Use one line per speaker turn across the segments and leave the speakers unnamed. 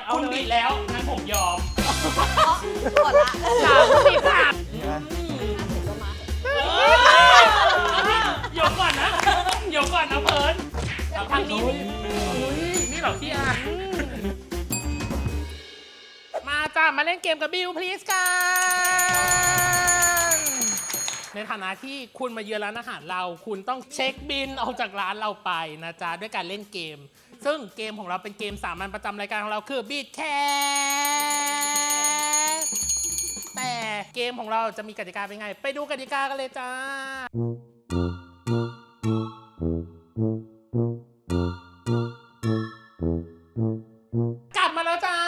เอาเลย
คุณบิดแล้วงั้นผมยอม
กดละ
30ค่ะ
ก็มา
เดี๋ยวก่อนนะเดี๋ยวก่อนนะเพิร์น
ทางนี้
นี่เหรอพี่อามาจ้ามาเล่นเกมกับบิวพลีสกันในฐานะที่คุณมาเยือนร้านอาหารเราคุณต้องเช็คบินออกจากร้านเราไปนะจ๊ะด้วยการเล่นเกม ซึ่งเกมของเราเป็นเกมสามัญประจำรายการของเราคือบีทแคสแต่เกมของเราจะมีกติกาเป็นไง ไปดูกติกากันเลยจ้ากลับมาแล้วจ้า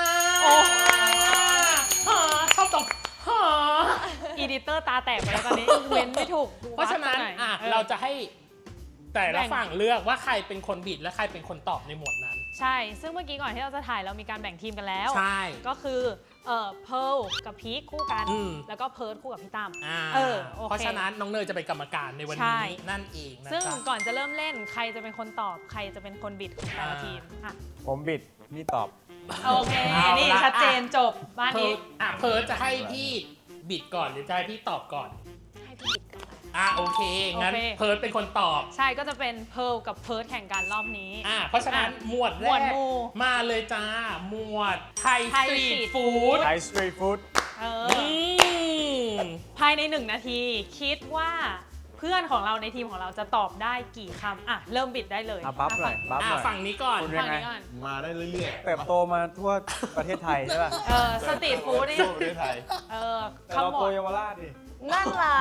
ชอบตก
อีดิเตอร์ตาแตกไปแล้วตอนนี้เว้นไม่ถูก
เพราะฉะนั้นเราจะให้แต่ละฝั่งเลือกว่าใครเป็นคนบิดและใครเป็นคนตอบในหมวดนั้น
ใช่ ซึ่งเมื่อกี้ก่อนที่เราจะถ่ายเรามีการแบ่งทีมกันแล้ว
ใช่
ก็คือเพิร์ลกับพีคคู่กัน แล้วก็เพิร์ลคู่กับพี่ตั้มโอเค
เพราะฉะนั้นน้องเนยจะเป็นกรรมการในวัน
ใช่
นี้นั่นเองนะ
ซึ่ง
จ๊ะ
ก่อนจะเริ่มเล่นใครจะเป็นคนตอบใครจะเป็นคนบิดของแต่ละทีมอ่ะ
ผมบิดนี่ตอบ
โอเค นี่ชัดเจนจบบ้าน
เพิ
นี้
ร์ลเพิร์ลจะให้พี่บิดก่อนหรือจะให้พี่ตอบก่อน
ให้พี่บิดก่อน
โอเคงั้นเพิร์ลเป็นคนตอบ
ใช่ก็จะเป็นเพิร์ลกับเพิร์ลแข่งกันรอบนี้
เพราะฉะนั้นหมวดแร
หมวด
ก
หมู่
มาเลยจ้าหมวดไทยส
ไทย
ตรี
สตรี
ท
ท
ฟู้ด
ไทยสตรีทฟู้ด
ภายใน1 นาทีคิดว่าเพื่อนของเราในทีมของเราจะตอบได้กี่คำอ่ะเริ่มบิดได้เลย
บัฟหน่อยบัฟหน่อย
ฝั่งนี้ก่อน
คุณ
ฝั่งนี้ก่อน
มาได้เรื่อยๆ
เติบโตมาทั่วประเทศไทยใช่ป่ะ
สตรีทฟู้ดนี่
ทั่วประเทศไทย
แต่เรา
ขม
โต
วด
เยาวราชดิ
นั่นล่ะ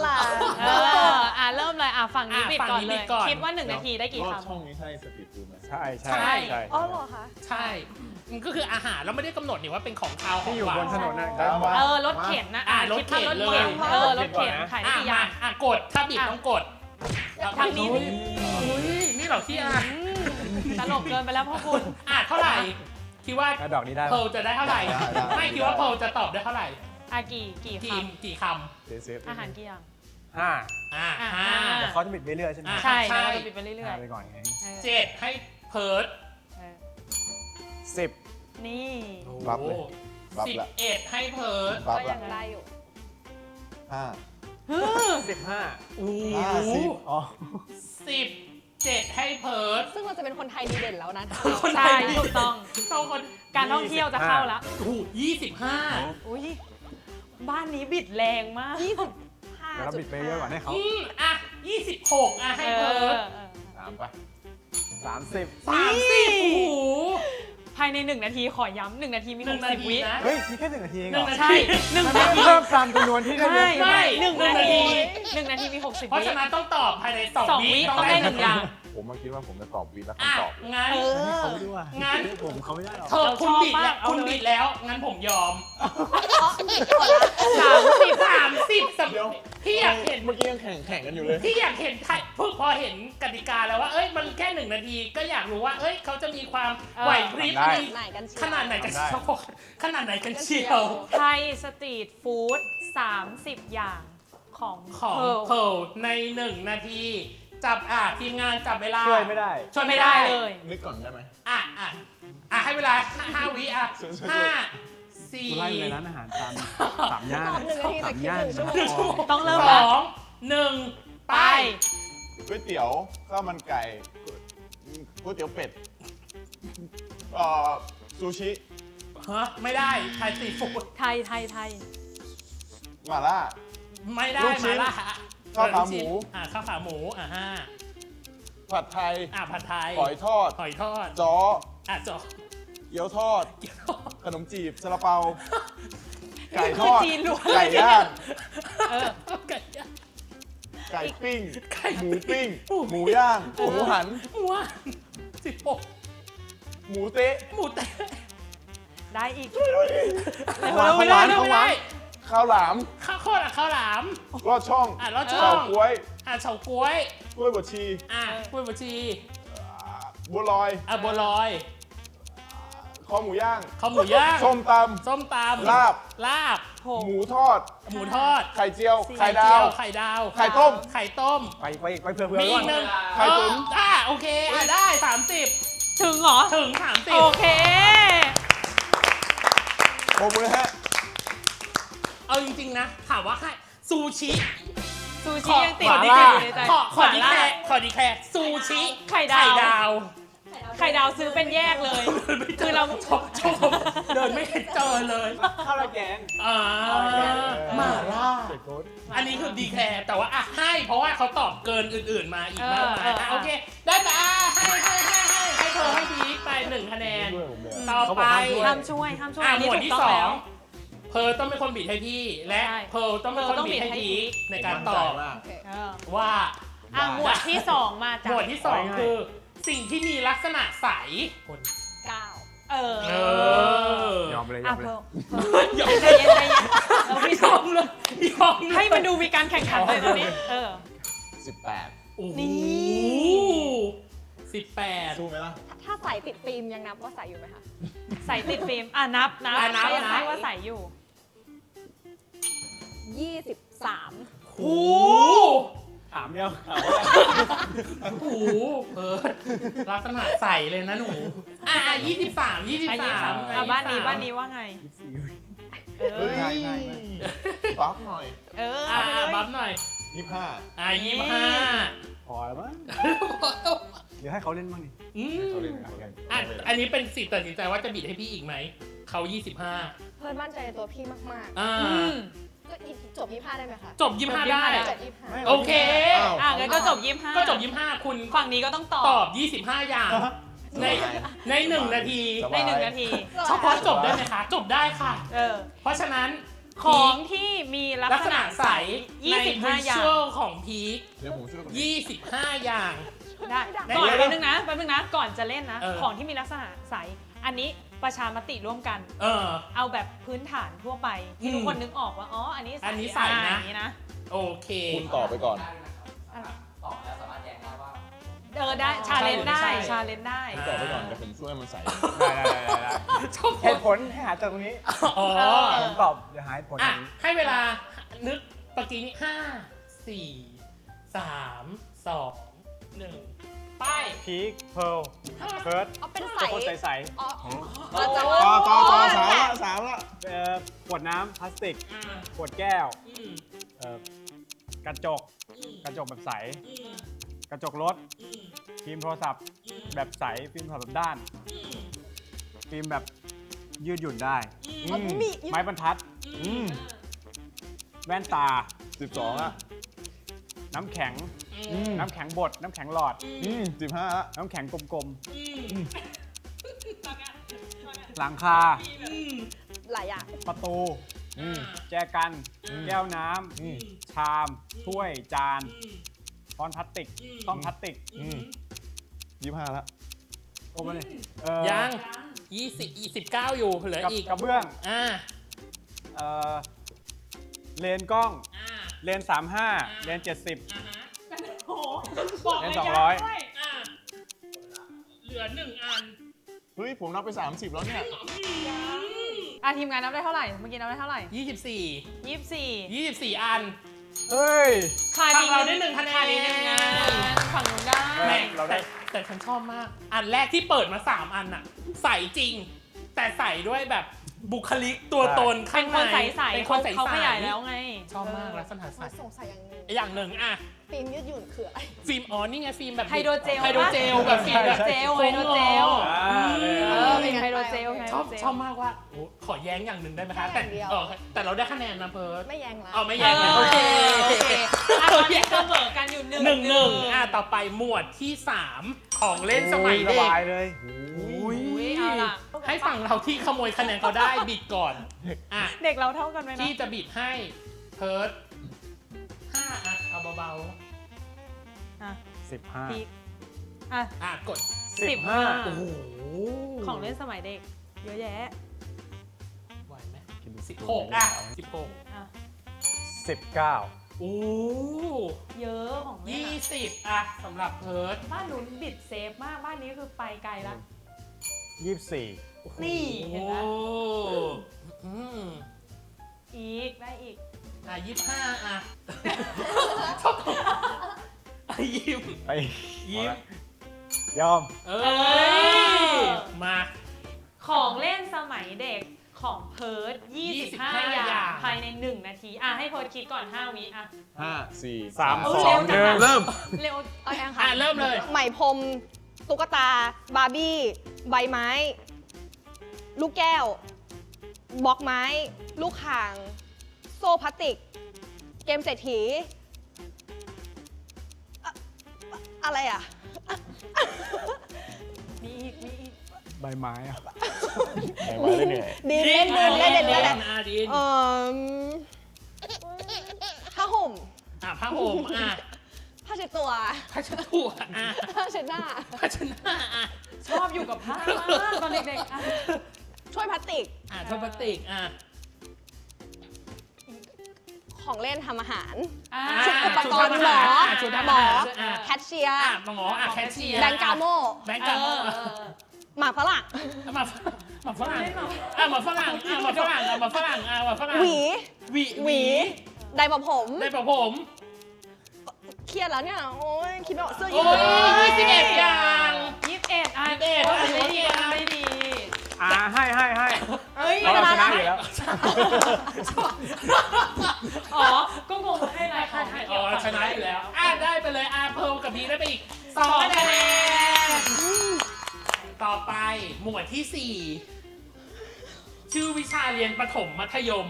เริ่มเลยฝั่งนี้บิดก่อนเลย
ฝั่งนี้บิดก่อน
คิดว่า 1 นาทีได้กี่
รอบ
คำ
ช่องนี้ใช่สตรีทฟู้ดไหม
ใช่
ใช่
ใช่ใช่
อ๋อเหรอคะ
ใช่มันก็คืออาหารเราไม่ได้กำหนดนี่ว่าเป็นของคาวของ
ที่อยู่
หวา
บ
น
นถนนนะ
รถเข็นนะ
รถเข็น
คิดว่ารถ
เลย
เข็นรถเข็นขายได้กี่อย่าง
กดถ้าบิดต้องกด
ทางนี้
นี่เหรอพี่อา
ตลกเกินไปแล้วพ่อคุณ
เท่าไหร่คิดว่า
แล้วดอกนี้ได้
เพ
ปะ
ลจะได้เท่าไหร่ไม่คิดว่าเพลจะตอบได้เท่าไหร่
กี่ค
กี่ค
เซฟ
ำอาหารกี่อย่าง
ห้า
ำ
แต่เขาจะบิดเรื่อยๆใช่ไหม
ใช่
ใช่
เราจะบิดไปเรื่อย
ห้าไปก่อนไง
ๆ
7ให้เพิร์ด
10
นี่
บัฟเลย บัฟละ
11ให้เพิร์ด
บัฟ
ก็ยั
ละ
งได้อยู่
5
15
50
อ๋อ
17ให้เพิร์ด
ซึ่งเราจะเป็นคนไทยดีเด่นแล้วนะ
ใช่ถูกต้อง
ต้องคน
การท่องเที่ยวจะเข้าแล้ว
25
อุ้ยบ้านนี้บิดแรงมาก
แล้วเราบิดไปเยอะกว่าให้เขา
26ให้เพิร์ด
3ไป
30
30โอ้โห
ภายใน1 นาทีขอย้ำ1 นาทีมี
1 นา
60
ที
วิ
นะ
เฮ้ย มีแค่1 นาทีเองเหรอ
ใช่1 นาที
เพิ่มตามจำนวนที่ได้เยอะขึ้น
ไม่
1
1 นาที
นาที
1 นาทีมี60
เพราะ
วิ
ฉะนั้นต้องตอบภายใน
2
2
วิ
วิ
ต้องได้1 อย่าง
ผมมาคิดว่าผมจะตอบวินแล้ว
อ่ะ
คำตอบ
งั้น
เขาไม่รู้อ่ะ
งั้น
ผมเขาไม่ได้หรอก
คุณบิดแล้วคุณบิดแล้ว งั้นผมยอม 30
เดี๋ยว
พี่อยากเห็น
เมื่อกี้ยังแข่งกันอยู่เลย
พี่อยากเห็นไทยพอเห็นกติกาแล้วว่า เอ้ย มันแค่1 นาที ก็อยากรู้ว่า เอ้ย เขาจะมีความไหวพริบ
ได้
ไหนกันเชียว
ขนาดไหนกันเชียวขนาดไหนกันเชียว
ไทยสตรีทฟู้ด30 อย่างของ
ของ
เพิร์ล
เพิร์ลใน1 นาที จับทีมงานจับเวลา
ช่วยไม่ได้
ช่วย
ไม่
ไม่
ได้
ได้
เลย
นึกก่อนได้ไหม
ให้เวลา5 วิ5
กูไล่เลย
4
ร้านอาหารตามสามย่าน
ตอบ1 นาทีแต่
สาม
คิด
ย่าน
1 ชั่วโมง
ต้องเริ่มแล้ว
2 1 ไป
ก๋วยเตี๋ยว ข้าวมันไก่ ก๋วยเตี๋ยวเป็ด ซูชิ
ไม่ได้ไทยสตรีทฟู้ด
ไทย
หม่าล่า
ไม่ได้
ลูกชิ้
มาน ล่า
ข้าวขาหมู
ข้าวขาหมู
ผัดไทย
ผัดไทย
หอยทอด
หอยทอด
จ้อ
จ๊อ
เกี๊ยวทอด
เกี๊ยว
ขนมจีบซาลาเปา ไก่
นี่
ท
คือ
อด
จีนล้วน
ไก่ย่าง
ไก่ย่าง
ไก่ปิ้ง
ไก่
หมูปิ้ง หมูย่าง หมูหัน
หมู16
หมูเต๊ะ
หมูแต่
ๆ ได้อีก
หวาน
ไม่ได้
ของหวาน
ข้าวหลาม
ข้าวโคตรข้าวหลาม
ลอดช่อง
ลอดช่อ
เฉาง ก๊วย
เฉาก๊วย
กล้วยบดชี
กล้วยบวชชี
บัวลอย
บัวลอย
คอหมูย่าง
ข้าวหมูย่าง
ส้มต
ส้มตำ
ลาบ
ลาบ
ำ หมูทอด
หมูทอด
ไข่เจียว ไข่
เจี
ดาว
ไข่ดาว
ไข่ต้ม
ไข่ต้ม
ไปเผื่อ
มี
ๆ
อี
ก่อน
กหนึ่ง
ไข่ตุ๋น
โอเคได้30
ถึงเหรอ
ถึง
โอเค
30
โอ้โหฮะ
เอาจริงๆนะถามว่าให้ซูชิ
ซูชิยังติด
ขอ
ดี
ดีแค
อยู่ในใจ
ขอดีแคขอดีแคซูชิ
ไข่ดาว
ดาว
ไข่ดาวซื้อเป็นแยกเลย คือเรา
ชมเดินไม่เห็นเจอเลย
ข้าวราแกง
อ่าหมาล่า
เด็กโค้ด
อันนี้คือดีแคร์แต่ว่าอ่ะให้เพราะว่าเขาตอบเกินอื่นๆมาอีกมากมายอ่ะโอเค ได้แต่ให้เธอให้พีคไป1 คะแนน
ด้วยผมเลย
ต่อไป
ห้ามช่วยห้ามช่วย
อ่ะ
อัน
หม
นี้
วด
ถูก
ที่
ต้องแล้ว
2เพร์ลต้องเป็นคนบีดให้พี่และ
ใช่
เพร์ลต้องเป็นคนบีดให้พีคในการตอบ
โอเค
เออ
ว่า
อ่ะหมวดที่ 2 มาจาก
หมวดที่ 2 คือสิ่งที่มีลักษณะใสคน
9
เออ
ยอมไปเลยย
อ่ะ
อมไป
เพ
เลย
ิ่มใจเย็นใจเย็นเราพี่
ยอมเลยยอมเลย
ให้มันดูมีการแข่งขันเลยตอนนี้ เออ
18
โอ้โห
นี่
18
สู้ไหมล่ะ
ถ้าใส่ติดฟิล์มยังนับว่าใส่อยู่ไหมคะ
ใส่ติดฟิล์มอ่ะนับ
อ่ะนับ
ก็ยัง
นับ
ให้ว่าใส่อยู่
23
โอ้
ถามเดียว
โหเพิร์ดลักษณะใสเลยนะหนู อ่ะ23
อ่ะ23อ่ะบ้านนี้ว่าไง เอ
เฮ้
อย
บัฟหน่อย
เออ
อ่ะ
เอาไปเลย
บัฟหน่อย
25
อ่ะ25
พอแล้วมั้งเดี๋ยวให้เขาเล่นบ้างดิ
อืม
เขาเล่นกัน
อ่ะอันนี้เป็นสิทธิ์ตัดสินใจว่าจะบิดให้พี่อีกไหม เขา 25
เพิ่นมั่นใจในตัวพี่มาก
อ่า
อืม
ๆ ก็จบ25ได้ไหมคะ
จบ 25 ได้
จบ25
โอเค
อ่ะงั้นก็จบ25
ก็จบ 25 คุณ
ฝั่งนี้ก็ต้องตอบ
ตอบ 25 อย่าง ใน 1 นาที
สบ
ใน
ย
1 นาที
เฉพาะจบได้ไหมคะ จบได้ค่ะ
เออ
เพราะฉะนั้น
ของที่มีลัก
ลัก
ษ
ษ
ณะ
ณะ
ใส
ใสใน
25 อย่าง
visual ของพีค
เดี๋ยวผมช่วยคุณ
25 อย่าง
ได้
ได้
ก่อน
ได้
แป๊บนึงนะก่อนจะเล่นนะ
เออ
ของที่มีลักษณะใส อันนี้ประชามติร่วมกัน
เออ
เอาแบบพื้นฐานทั่วไปที่ทุกคนนึกออกว่า อ๋อ อันนี้
อันนี้ใส่นะ
อย่างนี้นะ
โอเค
คุณตอบไปก่อน
เออได้ชาเลนจ์ได้
ใช่
ชาเลนจ์ได้
คุณตอบไปก่อนเดี๋ยวผมช่วยมันใส่
ได้
ชอบ
เหตุผลให้หาจากตรงนี้
อ๋อ
ผมตอบเดี๋ยวหาเหตุผลตร
อ่ะ
งนี้
ให้เวลานึกตะกี้นี้5 4 3 2 1 ไป
พีคเพิร์ลเฟิร์ส
เอาเป็นใส
เป็นคนใส
อ๋อ
ต่อสามละ
ๆขวดน้ำพลาสติก
อ่า
ขวดแก้ว
อืม
กระจก กระจกแบบใส
อืม
กระจกรถ
อืม
ฟิล์มโทรศัพท์แบบใส ฟิล์มโทรศัพท์แบบด้าน
อืม
ฟิล์มแบบยืดหยุ่นได้
อ๋อมี
ไม้บรรทัด
อืม
แว่นตา
12ละ
น้ำแข็ง
อืม
น้ำแข็งบด น้ำแข็งหลอด
15ละ
น้ำแข็งกลม
อืม
ๆ หลังคา
อืม
หลายอย่าง
ประตู
อืม
แจกัน
อืม
แก้วน้
อืม
ำ ชาม ถ้วย จาน
อืม
ช้อนพลาสติก
อืม
ต้องพลาสติก
อืม
25ละ
โอ้มาเลย
ยัง29อยู่เหลือ
กับ
อีก
กระเบื้อง
อ่า
เอ่อเลนกล้อง
อ่า
เลน 35 เลน 70
อ่าฮะโอ้โหบอก
เล่น
ระยะ
200
ด้วยอ่าเหลือ1 อัน
เฮ้ย ผมนับไป 30 แล้วเนี่ย
อ่ะทีมงานนับได้เท่าไหร่ เมื่อกี้นับได้เท่าไหร่
24
24
24 อัน
เฮ้ย
ขาด
ฝั่
อี
ง
ก
เราได้1 คะแนน
ขาดอีก1 งานฝั่งนู้นได้
แม่ง
เราได้
แต่ฉันชอบมาก อันแรกที่เปิดมา 3 อันน่ะ ใส่จริง แต่ใส่ด้วยแบบบุคลิกตัวตน
เป็
ข้าง
น
ใน
คนใสๆ
เป็นคนใสๆ
เขาขยายแล้วไง
ชอบมากลักษณะใส
มาสงสัยอย่างหนึง
อย่างหนึ่งอ่ะ
ฟิล์มยืดหยุ่นคืออะไร
ฟิล์มอ๋อนี่ไงฟิล์มแบบ
ไฮโดรเจล
ไฮโดรเจลแบบฟิล์มแบบ
ไฮโดรเจล เออเป็นไฮโดรเจลไฮ
ช
โด
อ
ร
บ
เจล
ชอบมากว่าโอ้ขอแย้งอย่างหนึ่งได้ไหมคะ
แค่อย่างเดียว
แต่เราได้คะแนนนะเพิร์ด
ไม่แยังละ
เอาไม่
เอ
แย้งนะ
อ
โอเค
โอเคอ่ะตอนนี้เสมอกันอยู่1
1 อ่ะต่อไปหมวดที่ 3 ของเล่นสมัย
ส
เด็ก
บายเลย
อุ้ยเอาล่ะ
ให้ฝั่งเราที่ขโมยคะแนนเขาได้บิดก่อนอ่ะ
เด็กเราเท่ากันไหมนะ
ที่จะบิดให้เพิร์ด5อ่ะเอาเบา
อ่ะ
15
พีคอ่ะ
ๆอ่ะกด
15
โอ้โห
ของเล่นสมัยเด็ก เยอะแยะ
ไหวไหม16อ่ะ16
อ่ะ
19
โอ้
เยอะของเล่นอะ
20อ่ะสำหรับเพิร์ด
บ้านหนูบิดเซฟมาก บ้านนี้คือไปไกลละ
24
นี่เห็นไหม
โอ้อืม
อีกได้อีก
อ่ะ25อ่ะชอบตรงอ่ะยิ้ม
ไป
ยิ้ม
ยอม
เอ้ยมา
ของเล่นสมัยเด็กของเพิร์ด 25
25
อย่างภายใน 1 นาทีให้เพิร์ดคิดก่อน 5 วิอ่ะ
5 4
3
เออ
2
เร็วจังอะ
1 เริ่ม
เร็ว
เอาแองค่ะ
เริ่มเลย
ไหมพรมตุ๊กตา บาร์บี้ ใบไม้ ลูกแก้ว บล็อกไม้ ลูกข่าง โซ่พลาสติก เกมเศรษฐีอะไรอ่ะ
มีอีก
ใบไม้อะ
ไหนมาเล่นเหนื่อย
ดีเล่นดีเล่นเล่นเล่น
ดิน
ผ้าห่ม
ผ้าห่ม
ผ้าเช็ดตัว
ผ้าเช็ดตัว
ผ้าเช็ดหน้า
ผ้าเช็ดหน้า
ชอบอยู่กับผ้ามากตอนเด็กๆอ่ะ
ช่วยพลาสติก
ถ้วยพลาสติก
ของเล่นทำอาหาร
อ่ะ
ชุดอุปกรณ์หมอ
ชุด
หมอ
อ่ะ
แคชเชียร์
หมอแคชเชียร์
แบงก์กาโม่
แบงก์กาโม่
หมากฝรั่ง
หมาฝรั่งหมาฝรั่งหมาฝรั่งหมาฝรั่งหมาฝรั่ง
หวี
หวี
ไดร์ประผม
ได้ป่ะผม
เครียดแล้วเนี่ย โอ้ยคิดไม่ออกเสื้อ
โอ้
ยืด
ย21 อย่าง
21อ่ะ
21
โอ้ยได้ดีได้ดี
ให้
เอ้ย
เราชนะอยู่แล้ว
อ๋อ ก็งงว่าให้อะไรคะ
อ๋อชนะอยู่แล้วได้ไปเลยเพิร์ลกับพีได้ไปอีก2 คะแนนต่อไปหมวดที่ 4 ชื่อวิชาเรียนประถมมัธยม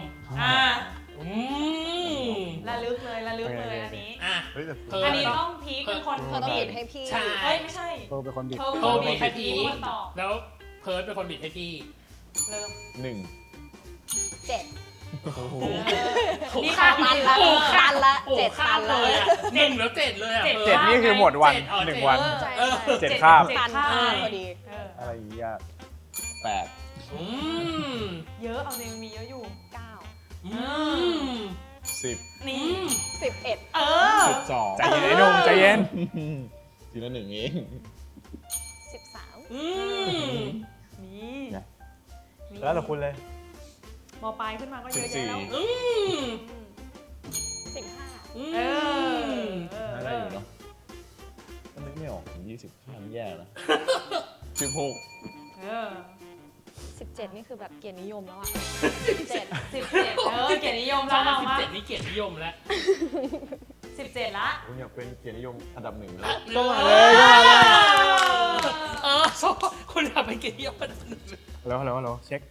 ระลึกเลยอันนี้
เฮ้ยแต่
เพิร์ล
อันนี้ต้องพีคเป็นคน
เธอต้องบิดให้พี่
ใช่
เอ้ยไม่ใช่
เธอเป็นคนบิด
เธอ
เพิร์ลบิดให้พี
คนตอบ
แล้วเพิร์ลเป็นคนบิดให้พี่
เริ่ม
1
เจ็ด
นี่
ตันละ
โอ้
ตันละ
โอ้
เจ็ด
ข้า
ตั
ม
น
เล
ละ
ย1 แล้ว 7 เลย
7
เพิร์ล
7 นี่คือหมดวัน
7
1 วัน
ใช่
เจ็ด
7
คาบ
ตัน
คาบ
พอดี
อะไรอย่างเงี้ย
8
เยอะเอาเนยมีเยอะอยู่
10
นี่
11
เออ
12
ใจเย็นไอ้หนุ่มใจเย็น
ทีละ1เอง
13
นี่
แล้วแต่คุณเลย
มปลายขึ้นมาก็เยอะแยะแล้ว
15
เออ
น่าได้อยู่เนาะถ้านึกไม่ออกถึง20ข้ามแย่นะ16
เออ
17 นี่คือแบบเกียรตินิยมแล้วอ่ะ 17
17เกียรตินิยม
ช
แล้
อ
ว
บ
เรามา
17 นี่เกียรตินิยมแล้ว
17ละ
ผมอยากเป็นเกียรตินิยมอันดับ 1 แล้ว
ก็มาเลยชอบคุณอยากเป็นเกียรตินิยมอันดับ 1
ฮัลโหลเช็ค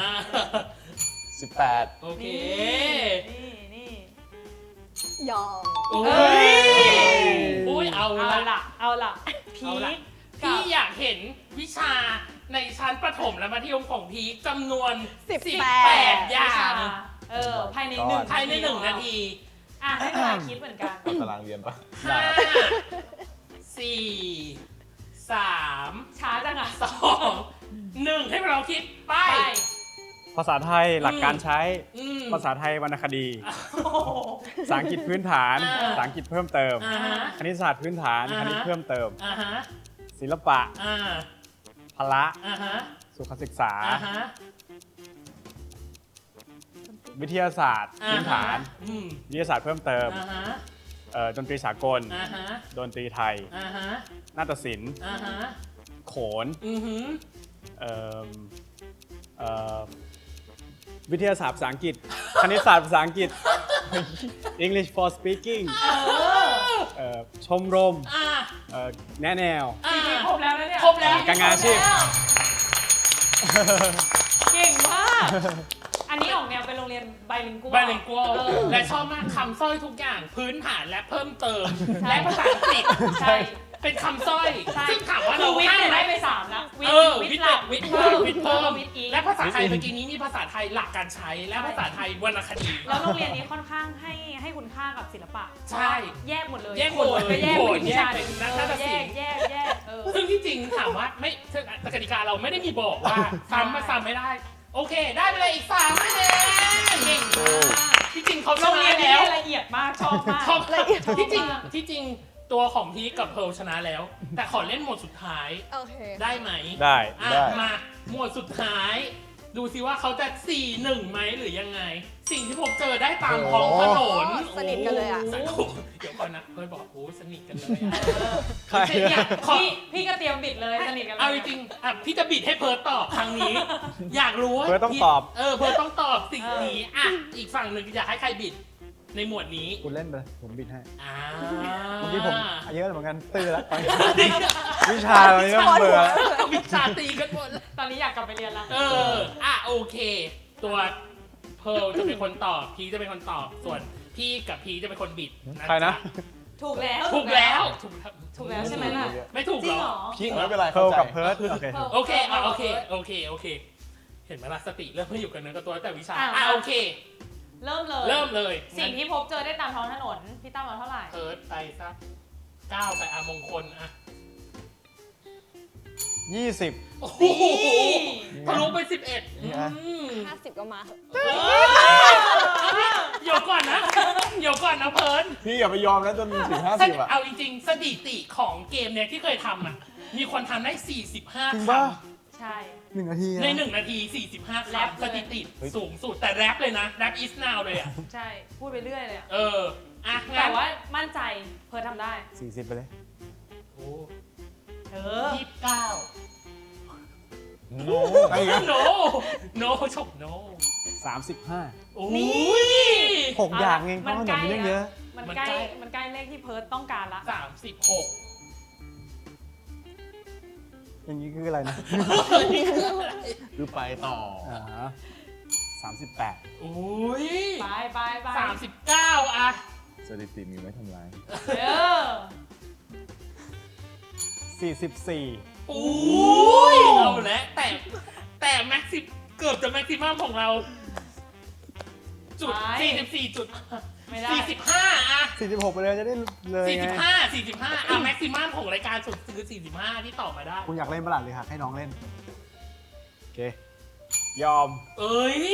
18
โอเค
นี่
ยอม
โอ้ยเอา
เอาละพี
เอาละ
ค
พี่อยากเห็นวิชาในชั้นประถมและมัธยมของพีคจำนวน 18 อย่าง
ภายใน
ก่อน
ภายใน 1 นาที
ให้เวลาคิดเหมือนกัน
ตารางเรียนปะ
5 4 3
ช้าจังอ่ะ
2 1 ให้เราคิดไป
ภาษาไทยหลักการใช้ ภาษาไทยวรรณคดี ภาษาอังกฤษพื้นฐาน ภาษาอังกฤษเพิ่มเติม คณิตศาสตร์พื้นฐาน คณิตเพิ่มเติม ศิลปะ พละ สุขศึกษา วิทยาศาสตร์พื้นฐาน วิทยาศาสตร์เพิ่มเติม ดนตรีสากล ดนตรีไทย นาฏศิลป์ โขน วิทยาศาสตร์ภาษาอังกฤษ คณิตศาสตร์ภาษาอังกฤษ English for speaking ชมรม แนะแนว
ครบแล้วนะเนี่ย
ครบแล้ว
การงานอาชีพ
เก่งมาก อันนี้ออกแนวเป็นโรงเรียนไบลิงกัว
ไบลิงกัวและชอบมากคำสร้อยทุกอย่างพื้นฐานและเพิ่มเติม และภาษาอังกฤษ
ใช่
เป็นคำสร้อย ซึ่งถามว่า
คื
เรา
อวิทย์
ให้
เนี่ย
ไหม
ได้ไป3แล้ว
วิทย์หลักวิทย์เพิ่มวิทย์เพิ่ม
วิทย์อีก
และภาษาไทยเมื่อกี้นี้มีภาษาไทยหลักการใช้ และภาษาไทยวรรณคดี
แล้วโรงเรียนนี้ค่อนข้างให้คุณค่ากับศิลปะ
ใช่
แยกหมดเลย
แยกหมดเลย
ก็แยก
โห
เป็นวิชา
แยกเป็นนักนาฏศิลป์
แยก
ซึ่งที่จริงถามว่าไม่กติกาเราไม่ได้มีบอกว่าซ้ำมาซ้ำไม่ได้ โอเค ได้ไปเลยอีก3 คะแนนเก่งมากที่จริงเขาช
โรง
นะ
เรียนนี้
แล้ว
ละเอียดมากชอบมาก
ชอบ
ละเอียด
ที่จริงตัวของพีคกับเพิร์ลชนะแล้ว แต่ขอเล่นหมวดสุดท้าย
โอเค
ได้ไหม
ได้
อ่ะมาหมวดสุดท้ายดูซิว่าเขาจะ 4-1 ไหมหรือยังไง สิ่งที่ผมเจอได้ตามท้องถนน
สนิทกันเลยอะ
โโหเดี๋ยวก่อนนะเพื่อนบอกโอ้สนิทกันเลยอะ
ใคร
เนี่ยขอ
พี่ก็เตรียมบิดเลยสนิทกันเลย
เอาจริงๆอ่ะพี่จะบิดให้เพิร์ตตอบครั้งนี้ อยากรู้ว่า
เพิร์ทต้อง
พี่
ตอบ
เพิร์ตต้องตอบสิ่งนี้อ่ะอีกฝั่งหนึ่งอยากให้ใครบิดในหมวดนี้
คุณเล่นไปเลยผมบิดให้
อ่า
เมื่อกี้ผมเยอะเหมือนกันตื้อแล้วตอนนี้วิชาตอนนี้ต้องเบื่อแล้ว
วิชาตีกันหมดแล้ว
ตอนนี้อยากกลับไปเรียนแล้ว
โอเค ตัวเพิร์ลจะเป็นคนตอบพีจะเป็นคนตอบส่วนพี่กับพีจะเป็นคนบิด
ใครนะ
ถูกแล้ว
ถูกแล้วถูก
ถูกแล้วใช่ไหมล่ะ
ไม่ถูก
จริง
เห
เห
ร
ร
อ
อ
พี่ไม่เป็นไร
เพิ
เข้า
ร์ล
ใจ
กับเพิร์ดโอเค
โอเคโอเคเห็นไหมล่ะสติเริ่มไม่อยู่กับเนื้อกับตัวแต่วิชา
อ่ะ
โอเค
เริ่มเลย
เริ่มเลย
สิ่งที่พบเจอได้ตามท้องถนน พี่ตั้มเอาเท่าไหร่
เพิร์ดไปสัก9ไปมงคลอ่ะ
20
โอ้โหทะลุไป11
นี่อ่ะ
50 ก็มาเถอะ
เดี๋ยวก่อนนะเพิร์ด
พี่อย่าไปยอมนะจนถึง 50 อ่ะ
เอาจริงๆสถิติของเกมเนี่ยที่เคยทำอ่ะมีคนทำได้
จริง
45
ป่ะ
คำ
ใช่
1 นาที
ใน1 นาที 45
แรป
คำ
เลย
สถิติสูงสุดแต่แรปเลยนะแรป is now เลยอ่ะ
ใช่ พูดไปเรื่อยเลยอะ
อ่ะ
แต่
งั้น
ว่ามั่นใจเพิร์ททำได้
40 ไปเลย
โอ้ 29
โน้ไอ้เงี้ย
no ชก no
35
โอ้
นี่
ย
6 อย่างเองเพราะขนมมันเยอะ
มัน
มัน
ใกล้
ใกล้
มันใกล้เลขที่เพิร์ทต้องการละ
36
อย่างนี้คืออะไรนะ
คือไปต่อ
38
โอ้ย
ไป
39อ่ะ
สถิติมีไว้ทำลาย
เออ
44
โอ้ยเอาแล้วแต่แม็กซิเกือบจะแม็กซิมัมของเราจุด
ไป
44จุด
ไม่ได้
45อ่ะ
46 ไปเลยจะได้เลยไง
45อ่ะแม็กซิมัมของรายการสุดคือ45ที่ตอบมาได้
คุณอยากเล่นประหลาดหรือหักให้น้องเล่น โอเค ยอม
เอ้ย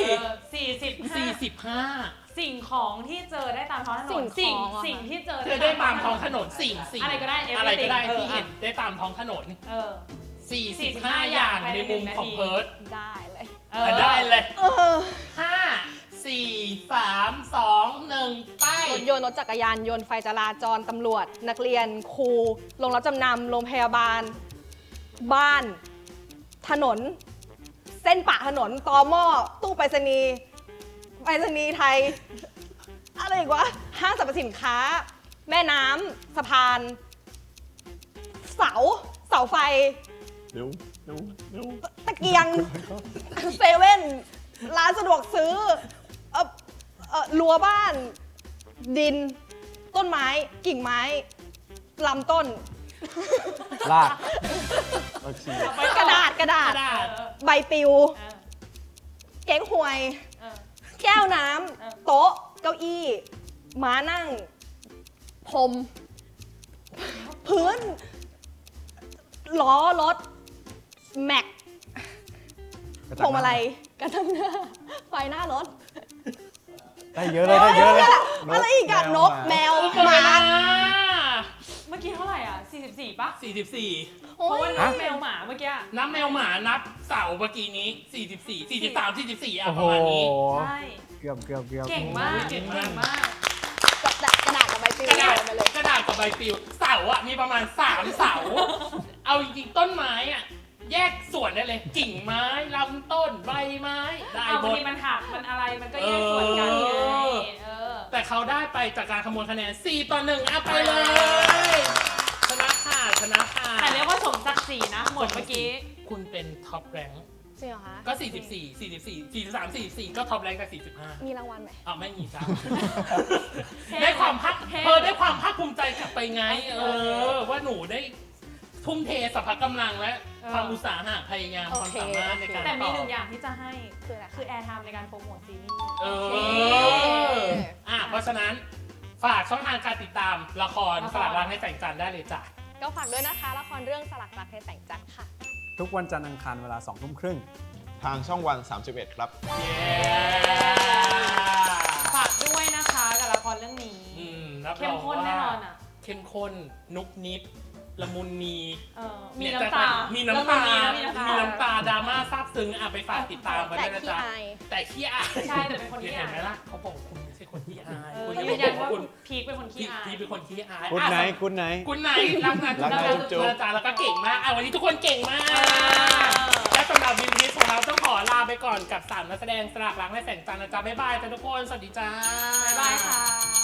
45 สิ่งของที่เจอได้ตามท้องถนน
สิ่งของอะ
สิ่งที่เจอ
เธอได้ตามท้องถนนสิ่ง
อะไรก็ได้
อะไรก็ได้
everything
ที่เห็นได้ตามท้องถนน
เออ
45 อย่างในมุมของเพิร์ด
ได้เลย
เออ
ได้เลย
เออ
5 4 3 2 1 ไป
รถยนต์รถจักรยานยนต์ไฟจราจรตำรวจ นักเรียนครูโรงรับจำนำโรงพยาบาล บ้าน ถนน เส้นปะถนนตอหม้อตู้ไปรษณีย์ไทย อะไรอีกวะห้างสรรพสินค้า แม่น้ำสะพาน เสาไฟ
เร็ว
ตะเกียง เซเว่น ร้านสะดวกซื้อรั้วบ้าน ดิน ต้นไม้ กิ่งไม้ ลำต้น
ลาก
เราฉีด
กระดาษ
กระดาษ
ใบปลิว
เออ
เก๊กฮวย
เออ
แก้วน้
เออ
ำ โต๊ะ เก้าอี้ ม้านั่ง พรม พื้น ล้อรถ แม็ก พวงมาลัยกระจังหน้า ไฟหน้ารถ
ได้เยอะเลยได้เยอะเลย
อะไรอีกอะนก แมว หมา
เมื่อกี้เท่าไหร่อ่ะ 44 ป่ะ
44
เพราะว่า
ฮะ
นับแมวหมาเมื่อกี้อะ
นับแมวหมานับเสาเมื่อกี้นี้ 44 43 44อ่ะ
โอ้
ป
โห
ระมาณนี้
ใช่
เกือบ
เก่งมาก
เก่งมาก
กระดาษกับใบปลิว
กระดาษ
มาเลย
กระดาษกับใบปลิวเสาอ่ะมีประมาณ3เสา เอาจริงๆต้นไม้อ่ะแยกส่วนได้เลย กิ่งไม้ลำต้นใบไม้ได้
เอา
หม
บาง
ด
ทีมันหักมันอะไรมันก็แยกส่วนกันไงเออ
แต่เขาได้ไปจากการคำนวณคะแนน4 ต่อ 1เอาไปเลย ชนะค่ะชนะค่ะ
แต่เรียกว่าสมศักดิ์ศรีนะ หมดเมื่อกี้
คุณเป็นท็อปแรงค์
จริงเหรอคะ
ก็ 44 43 44 ก็ท็อปแรงค์จาก45
มีรางวัลไหม
อ้าวไม่มีจ้า
แค่
ได้ความภาค
แค่
ได้ความภาคภูมิใจกลับไปไง ว่าหนูได้ทุ่มเทสรรพกำลังและความอุตสาหะพยายามความสามารถในการ
แต่มี
ตอบ
หนึ่งอย่างที่จะให้
คืออะไร
คือแอร์ไทม์ในการโปรโมทซีรีส์
เพราะฉะนั้นฝากช่องทางการติดตามละครสลักรักในแสงจันทร์ได้เลยจ้ะ
ก็ฝากด้วยนะคะ ละครเรื่องสลักรักในแสงจันทร์ค่ะ
ทุกวันจันทร์อังคารเวลา 2 ทุ่มครึ่ง
ทางช่องวัน 31 ครับ
เย้
ฝากด้วยนะคะกับละครเรื่องนี้
รับร
เข้ม
อง
ข้นแน่นอน
ว่า
อ่ะ
เข้มข้นนุกนิดละมุนมี
มีน้ำตา
มีน้ำตา
มี
มีน้ำตาดราม่าซาบซึ้งไปฝากติดตามกัน
แต่
ด้วยนะ
ขี้
จ๊ะ
อาย
แต่ขี้อาย
ใช่แต่เป็นคนขี้อาย
เห็นไหมล่ะเขาบอกคุณไม่ใช่คนขี้อาย
เขา
จะ
ยืนยันว่า
คุณ
พีคเป็นคนขี้อาย
พี่เป็นคนขี้อาย
คุณไหน คุณไหน
คุณไหนรักนะ
รักนะจุ๊บๆ
นะจ๊ะแล้วก็เก่งมากวันนี้ทุกคนเก่งมากและสำหรับวินทีของเราต้องขอลาไปก่อนกับ3นักแสดงสลากล้างและแสงจันทร์นะจ๊ะบ๊ายบายจ้ะทุกคนสวัสดีจ้า
บ๊ายบายค่ะ